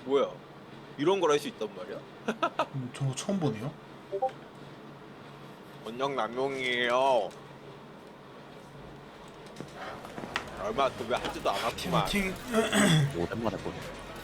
뭐야? 이런 걸 할 수 있단 말이야? 저거 처음 보네요. 원형 남용이에요. 얼마 또 왜 하지도 않았구만. 팀 오랜만에 보네.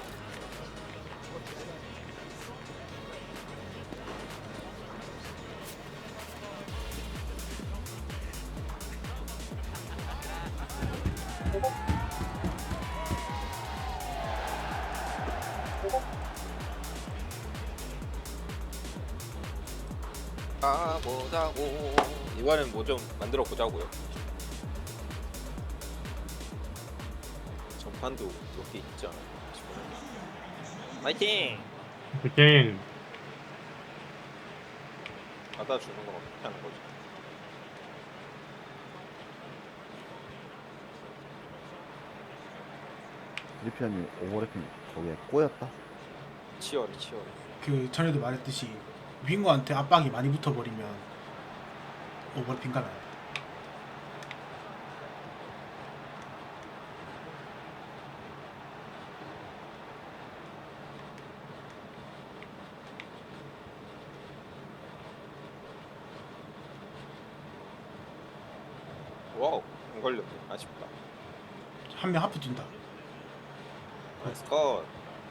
가보자고. 이번엔 뭐 좀 만들어 보자고요. 전판도 몇 개 있잖아. 파이팅! 그냥 받아주는 건 어떻게 하는 거지? 리피아님 오버래핑 거기에 꼬였다? 치열해 치열해. 그 전에도 말했듯이 윙어한테 압박이 많이 붙어버리면 오버래핑 가나요? 와우 안 걸렸네. 아쉽다. 한 명 하프 뛴다. 나이스 컷.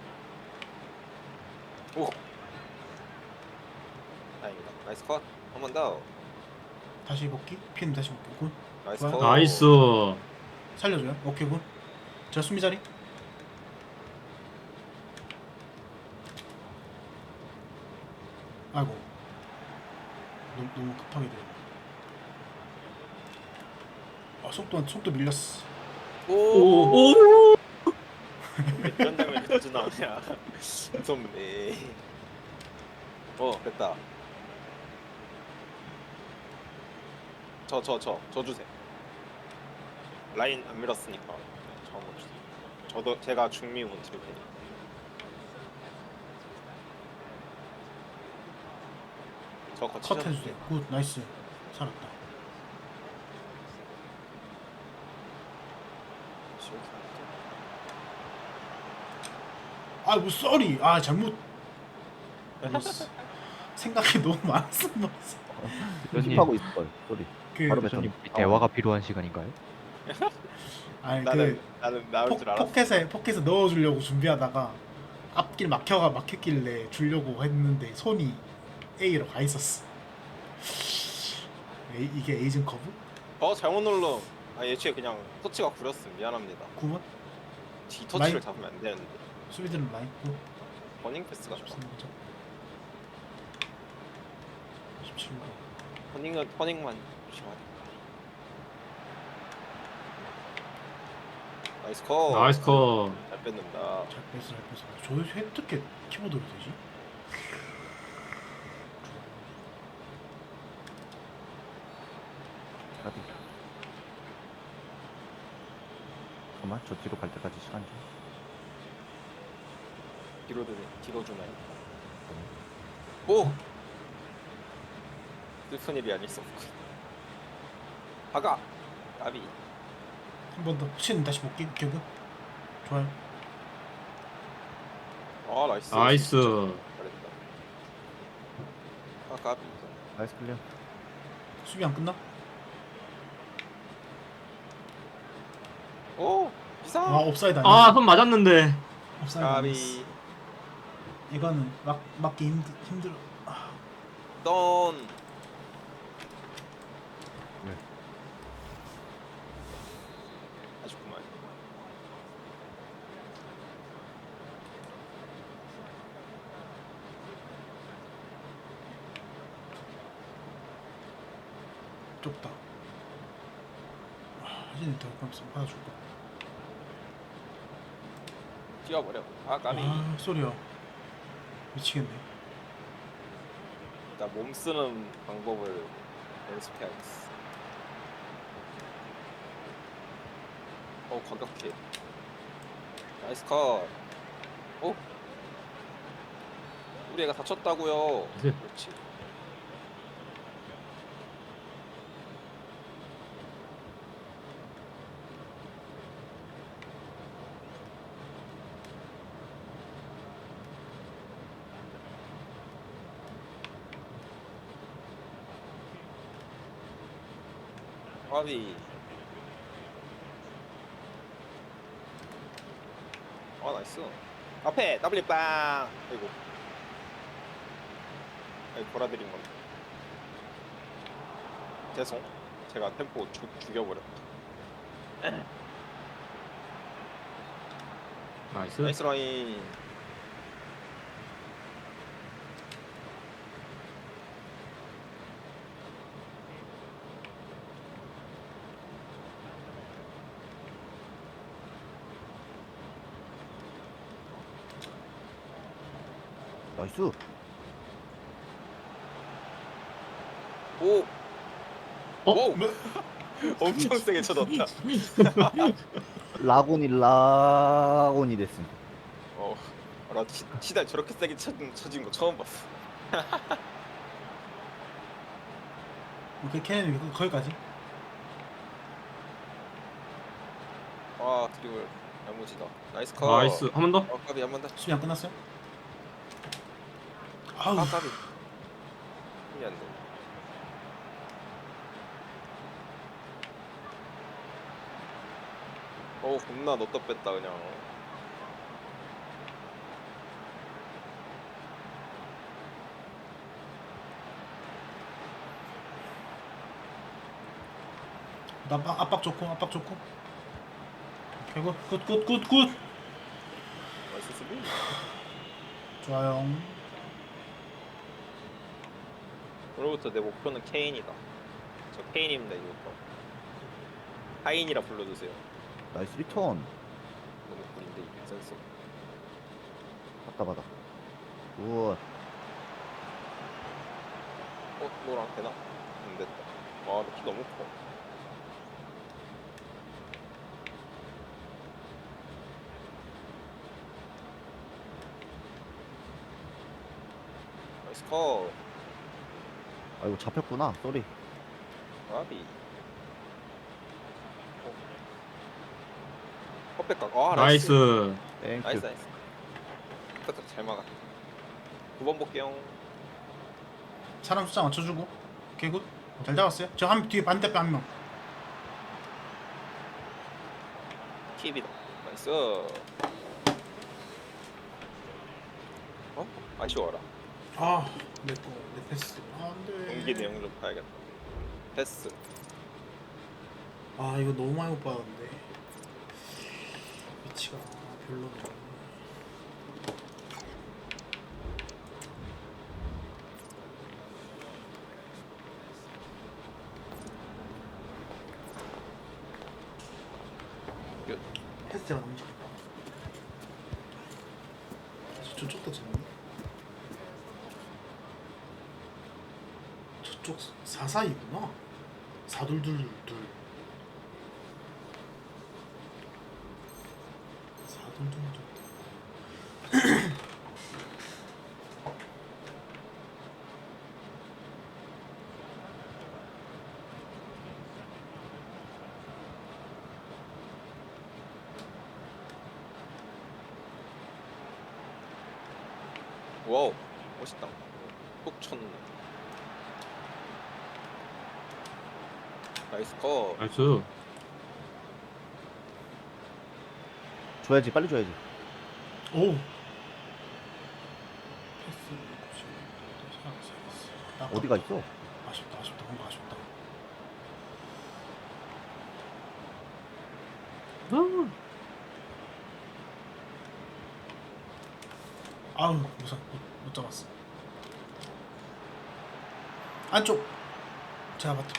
오. 다행이다. 나이스 컷. 한 번 더. 다시 복귀? 피님 다시 복귀. 굿. 나이스 좋아요. 컷. 나이스. 살려줘요. 오케이 굿. 저 수비 자리. 아이고. 너무 급하게 되네. 속도 밀렸어. 오. 오. 이런 장면이 자주 나오냐. 무섭네. 됐다. 저 주세요. 라인 안 밀었으니까 저 한번 주세요. 저도 제가 중미운 칠 테니. 저 컷 거치죠. 해주세요. 굿 나이스. 살았다. 아이고 쏘리. 아 잘못. 눌렀어. 생각이 너무 많았어. 대표님, 힙하고 있을 소리. 그 바로 대표님 뱉었네. 대화가 필요한 시간인가요? 아니 나는 그 나올 줄 알았어. 포켓에 넣어주려고 준비하다가 앞길 막혔길래 주려고 했는데 손이 A로 가 있었어. 이게 에이즌 커브? 잘못 눌러. 예초에 그냥 터치가 구렸음. 미안합니다. 9번? 뒤 터치를 라인? 잡으면 안 되는데. 수비들은 라인 9. 버닝 패스가 좋아. 13번 17번. 퍼닝만 조심하자. 나이스 컷. 나이스 컷. 잘 뺏는다. 잘 뺐어. 저 어떻게 키보드로 되지? 까비. 잠깐만 저 뒤로 갈 때까지 시간 좀. 뒤로 주나요? 오! 슬픈 일이 아닐 수 없고. 박아! 나비. 한 번 더. 혹시는 다시 볼게. 기억은? 좋아요. 나이스. 나이스. 잘했다. 까비. 나이스 클리어. 수비 안 끝나? 오! 이상! 와 옵사이드 아니야? 아, 손 맞았는데. 옵사이드 아니었어. 까비. 이거는 막기 힘들어. 던. 네. 아쉽구만. 좁다. 하진이 더 가면서 받아줄까? 뛰어버려. 까비. 아 소리야. 미치겠네. 나 몸 쓰는 방법을 연습해야겠어. 과격해. 나이스 컷. 오! 우리 애가 다쳤다고요. 네. 그렇지. 까비. 아 나이스. 앞에 W 빵. 아이고. 아이 돌아드린 건데. 죄송. 제가 템포 죽여버렸다. 나이스. 나이스 라인. 나이스. 오. 어? 오. 엄청 세게 쳐졌다. 라곤이 됐음. 나 시달 저렇게 세게 쳐진 거 처음 봤어. 오케이 캐넨 거기까지. 아 드리블 야무지다. 나이스 컷. 나이스. 한 번 더. 까비 한 번 더. 수비 안 끝났어요? 아우 아 까비. 힘이 안 돼. 겁나 넣다 뺐다 그냥. 나 압박 좋고 오케이 굿 나이스 수비. 좋아요. 오늘부터 내 목표는 케인이다. 저 케인입니다 이거부터. 하인이라 불러주세요. 나이스 리턴. 너무 꿀인데 이 센스. 받다. 굿. 너랑 되나? 안 됐다. 아, 키 너무 커. 나이스 컷. 아이고 잡혔구나. 쏘리. 아비. 컵백각. 아, 나이스. 땡큐. 나이스. 딱딱 잘 막아. 9번 볼게요. 사람 숫자 맞춰주고 오케이 굿. 잘 잡았어요. 저 한 뒤에 반대편 한 명. 팁이다. 나이스. 아쉬워라. 내 패스. 안돼. 경기 내용 좀 봐야겠다. 패스. 이거 너무 많이 못 받았는데 위치가 별로네. 패스가 너무 좋다. 저쪽도 재밌네. 저쪽 4-4이구나. 4-2-2-2. 4-2-2-2. 와우. 멋있다. 톡 쳤네. 나이스 컷. 나이스. 줘야지. 빨리 줘야지. 오. 패스. 어디가 있어? 아쉽다. 뭔가 아쉽다. 아우 못 잡았어. 안쪽. 제가 봤다.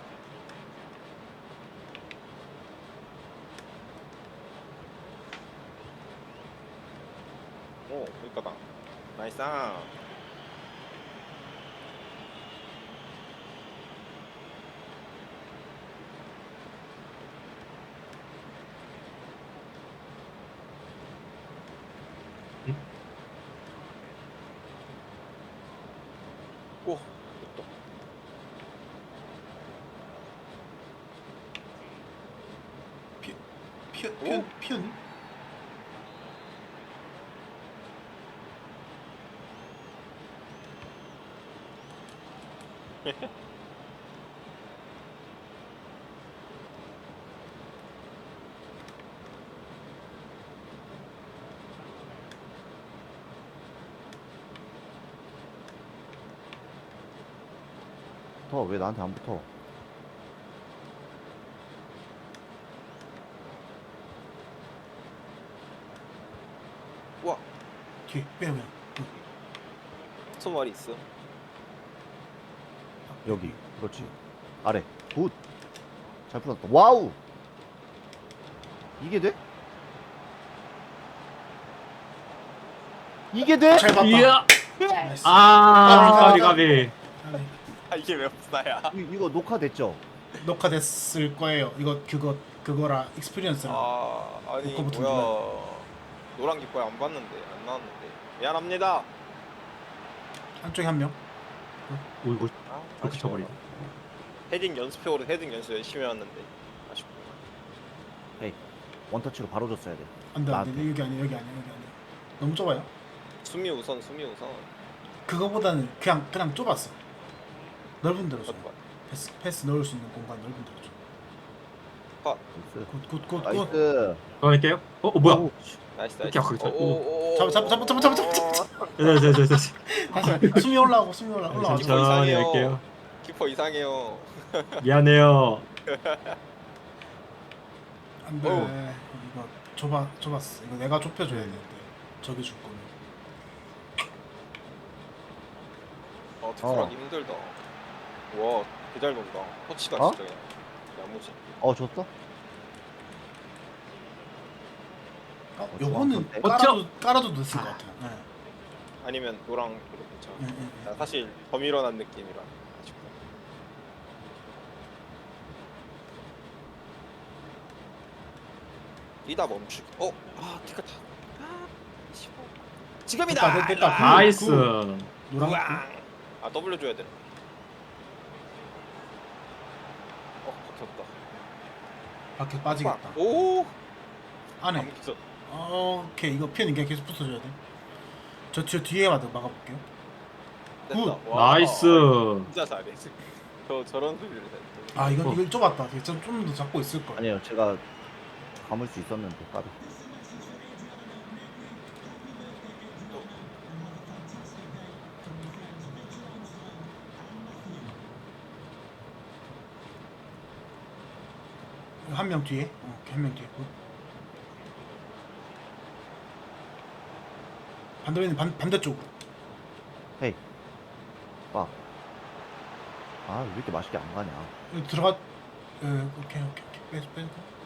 오, 여기까다. 나이스. 오, 됐다. 피었니? 붙어? 왜 나한테 안 붙어? 우와 뒤에 빼요 그냥. 소말이 있어. 여기. 그렇지. 아래. 굿. 잘 풀었다. 와우. 이게 돼? 이게 돼? 잘 봤다. 이야. 나이스. 아, 가비. 아니, 아 이게 왜 없나야? 이거 녹화됐죠? 녹화됐을 거예요. 이거 그거라 익스피리언스라. 아 아니 녹화 버튼 뭐야? 노란 깃발 안 봤는데 안 나왔는데 미안합니다. 한쪽에 한 명. 오, 이거 아, 그렇게 아쉬워. 쳐버리네. 헤딩 연습해오로 헤딩 연습 열심히 해왔는데 아쉽구나. 헤이. 원터치로 바로 줬어야 돼. 안돼 안돼 나한테. 여기 아니야. 너무 좁아요. 수미 우선 수미 우선. 그거보다는 그냥 좁았어. 넓은 데로 줘. 컷. 패스 넣을 수 있는 공간 넓은 데로 줘. 나이스. 굿. 나이스. 할게요. 뭐야? 오, 나이스 이렇게 나이스. 아프게 오오오. 잡아. 네. 다시 숨이 올라오고 올라와. 진짜. 천천히 이상해요. 할게요. 키퍼 이상해요. 미안해요. 안돼. 어우. 이거 좁았어. 이거 내가 좁혀줘야 되는데 저기 줄 거면. 특출하기 힘들다. 와, 개잘 돈다. 터치가 어? 진짜 야무지. 줬어? 요거는 좋았는데? 깔아도 됐을 것 같아요. 네. 아니면 노랑 그거 괜찮아. 네. 나 사실 더 밀어난 느낌이라 아쉽다. 뛰다 멈추기. 티켓. 아쉬워. 지금이다. 됐다. 나이스. 노랑 우왕. W 줘야 돼. 박혔다. 밖에 빠지겠다. 오. 안에. 안 붙어. 오케이 이거 편 그냥 계속 붙어줘야 돼. 저 뒤에 막아볼게요. 됐다. 굿. 와. 나이스. 진짜 잘해. 저런 소리를 해. 아 이건 어. 이걸 좁았다. 좀 더 잡고 있을 걸. 아니요, 제가 감을 수 있었는데, 까비. 한 명 뒤에. 오케이 한 명 뒤에. 굿. 반대쪽으로. 헤이. 빠. 아, 왜 이렇게 맛있게 안 가냐. 여기 들어가. 오케이. 빼고.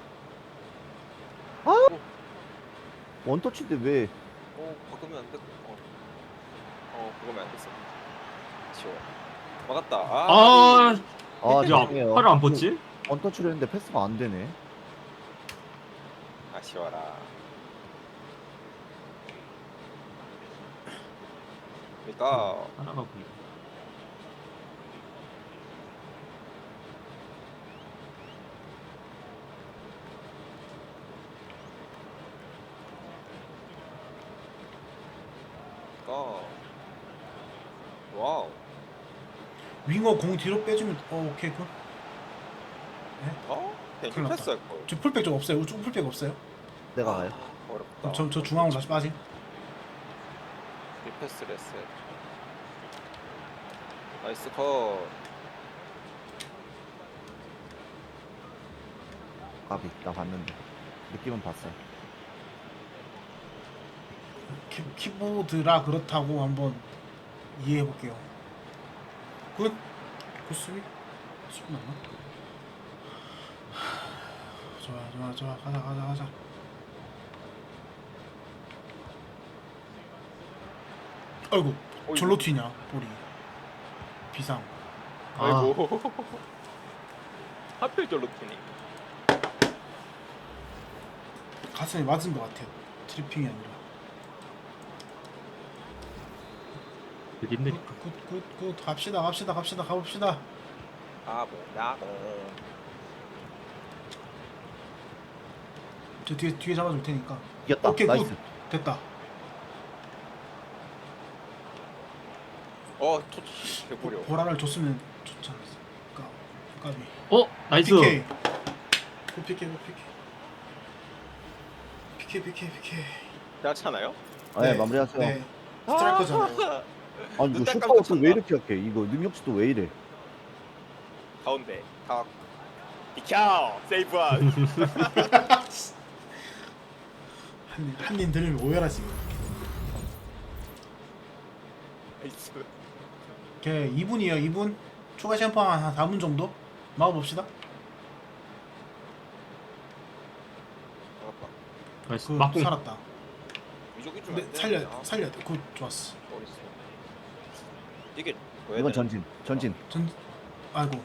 원터치인데 왜. 바꾸면 안 돼. 바꾸면 안 됐어. 아쉬워. 막았다. 아, 아, 야, 죄송해요. 팔을 안 뻗지? 원터치를 했는데 패스가 안 되네. 아쉬워라. 그러니까 하나가 보이. 와우. 윙어 공 뒤로 빼주면 오케이 굿. 그냥 큰일 났다. 패스할 걸. 저 풀백 좀 없어요. 우측 풀백 없어요. 내가 가요. 어렵다. 저 중앙으로 다시 빠짐. 패스를 했어. 나이스 컷. 까비. 나 봤는데. 느낌은 봤어요. 키보드라 그렇다고 한번 이해해 볼게요. 굿 수비 맞나? 좋아 가자. 아이고 어이구. 절로 튀냐 볼이 비상. 아이고. 하필 절로 튀니. 가슴에 맞은 것 같아요. 트리핑이 아니라. 되게 힘드니까. 굿 갑시다 가봅시다. 뭐냐고. 저 뒤에 잡아줄 테니까. 이겼다. 오케이 나이스. 굿 됐다. 토치 개구려. 보라를 줬으면 좋지 않았어. 까비. 나이스. PK. 굿 PK. 괜찮아요? 네, 마무리하세요. 네. 스트라이커잖아요. 아니, 이거 눈 슈퍼워크 깜짝이야. 왜 이렇게 약해? 이거 능력치도 왜 이래? 가운데 각 비켜 세이브한 한님 들으면 오열하지. 나이스. 오케이 2분이에요 2분. 추가 시간 포함 한 4분 정도 막아봅시다. 잡았다. 나이스. 그 막공. 살았다. 위쪽이 좀 근데 안 살려야 되는데. 돼 살려야 돼. 굿 좋았어. 어딨어? 이게 왜 이건 되는- 전진. 전 아이고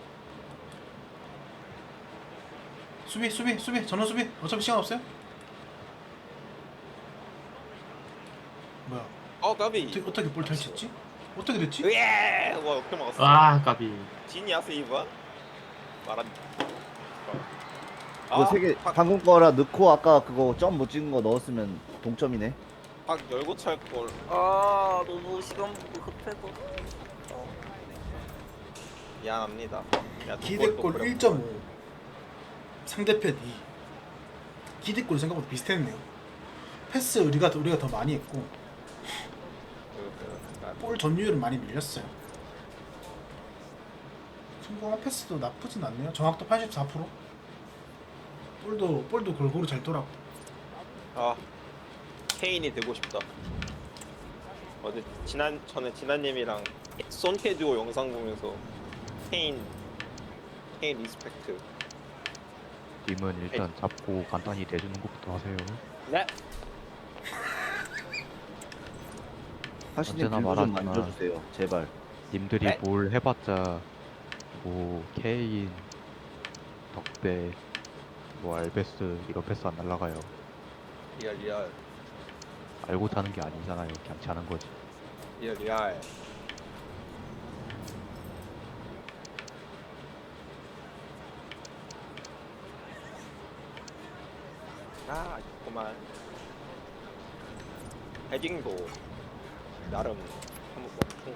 수비 전원 수비. 어차피 시간 없어요. 뭐야 까비. 어떻게 볼 탈취했지? 어떻게 됐지? 으예! 와 어떻게 막았어? 아 까비. 진이야 세이브한? 말한. 이거 세 개 방금 거라 넣고 아까 그거 점 못 찍은 거 넣었으면 동점이네. 박 열고 찰 걸. 아 너무 시간 급해서 미안합니다. 야, 기대골 그것도 1.5 상대편 2. 기대골 생각보다 비슷했네요. 패스 우리가 더 많이 했고 볼 점유율은 많이 밀렸어요. 성공한 패스도 나쁘진 않네요. 정확도 84%. 볼도 골고루 잘 돌았고. 아 케인이 되고 싶다. 어제 전에 진아님이랑 손헤듀오 영상 보면서 케인 리스펙트. 님은 일단 잡고 간단히 대주는 것부터 하세요. 네. 하시님 언제나 빌드 좀 말하지만- 만져주세요. 제발. 님들이 네? 뭘 해봤자 뭐 케인, 덕배, 뭐 알베스 이런 패스 안 날라가요. 리얼 알고 타는 게 아니잖아요. 그냥 차는 거지. 리얼. 아 그만. 헤딩도 나름 한번